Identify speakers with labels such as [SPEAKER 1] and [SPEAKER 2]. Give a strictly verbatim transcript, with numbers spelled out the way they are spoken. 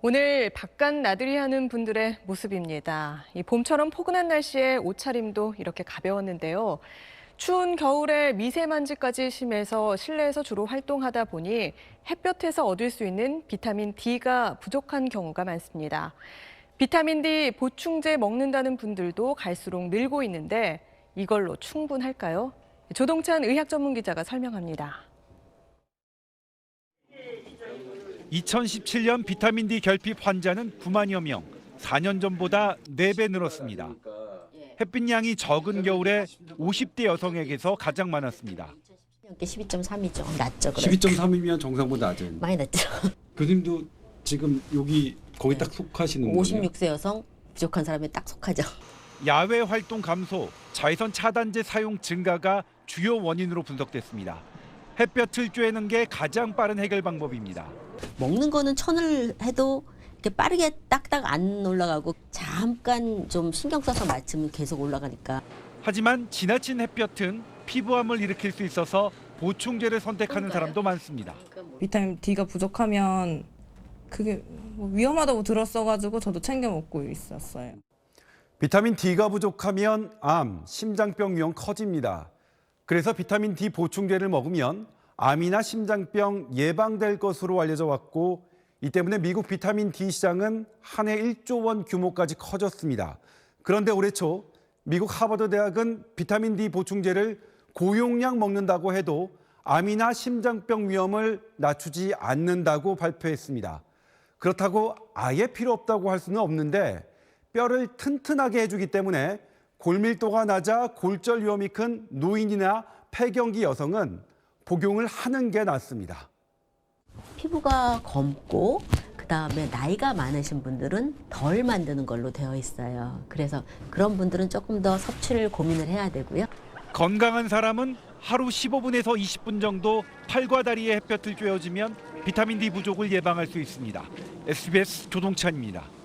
[SPEAKER 1] 오늘 바깥 나들이 하는 분들의 모습입니다. 이 봄처럼 포근한 날씨에 옷차림도 이렇게 가벼웠는데요. 추운 겨울에 미세먼지까지 심해서 실내에서 주로 활동하다 보니 햇볕에서 얻을 수 있는 비타민 D가 부족한 경우가 많습니다. 비타민 D 보충제 먹는다는 분들도 갈수록 늘고 있는데 이걸로 충분할까요? 조동찬 의학 전문 기자가 설명합니다.
[SPEAKER 2] 이천십칠 년 비타민 D 결핍 환자는 구만여 명, 사 년 전보다 네 배 늘었습니다. 햇빛 양이 적은 겨울에 오십 대 여성에게서 가장 많았습니다.
[SPEAKER 3] 십이 점 삼이죠. 낮죠.
[SPEAKER 4] 십이 점 삼이면 정상보다 낮은.
[SPEAKER 3] 많이 낮죠.
[SPEAKER 4] 교수님도 지금 여기 거기
[SPEAKER 3] 네.
[SPEAKER 4] 딱 속하시는 거예요?
[SPEAKER 3] 오십육 세 여성 부족한 사람에 딱 속하죠.
[SPEAKER 2] 야외 활동 감소, 자외선 차단제 사용 증가가 주요 원인으로 분석됐습니다. 햇볕을 쬐는 게 가장 빠른 해결 방법입니다.
[SPEAKER 3] 먹는 거는 천을 해도 이렇게 빠르게 딱딱 안 올라가고 잠깐 좀 신경 써서 맞추면 계속 올라가니까.
[SPEAKER 2] 하지만 지나친 햇볕은 피부암을 일으킬 수 있어서 보충제를 선택하는 사람도 많습니다.
[SPEAKER 5] 비타민 D가 부족하면 그게 뭐 위험하다고 들었어가지고 저도 챙겨 먹고 있었어요.
[SPEAKER 6] 비타민 D가 부족하면 암, 심장병 위험 커집니다. 그래서 비타민 D 보충제를 먹으면 암이나 심장병 예방될 것으로 알려져 왔고 이 때문에 미국 비타민 D 시장은 한 해 일조 원 규모까지 커졌습니다. 그런데 올해 초 미국 하버드 대학은 비타민 D 보충제를 고용량 먹는다고 해도 암이나 심장병 위험을 낮추지 않는다고 발표했습니다. 그렇다고 아예 필요 없다고 할 수는 없는데 뼈를 튼튼하게 해주기 때문에 골밀도가 낮아 골절 위험이 큰 노인이나 폐경기 여성은 복용을 하는 게 낫습니다.
[SPEAKER 3] 피부가 검고 그다음에 나이가 많으신 분들은 덜 만드는 걸로 되어 있어요. 그래서 그런 분들은 조금 더 섭취를 고민을 해야 되고요.
[SPEAKER 2] 건강한 사람은 하루 십오 분에서 이십 분 정도 팔과 다리에 햇볕을 쬐어주면 비타민 D 부족을 예방할 수 있습니다. 에스비에스 조동찬입니다.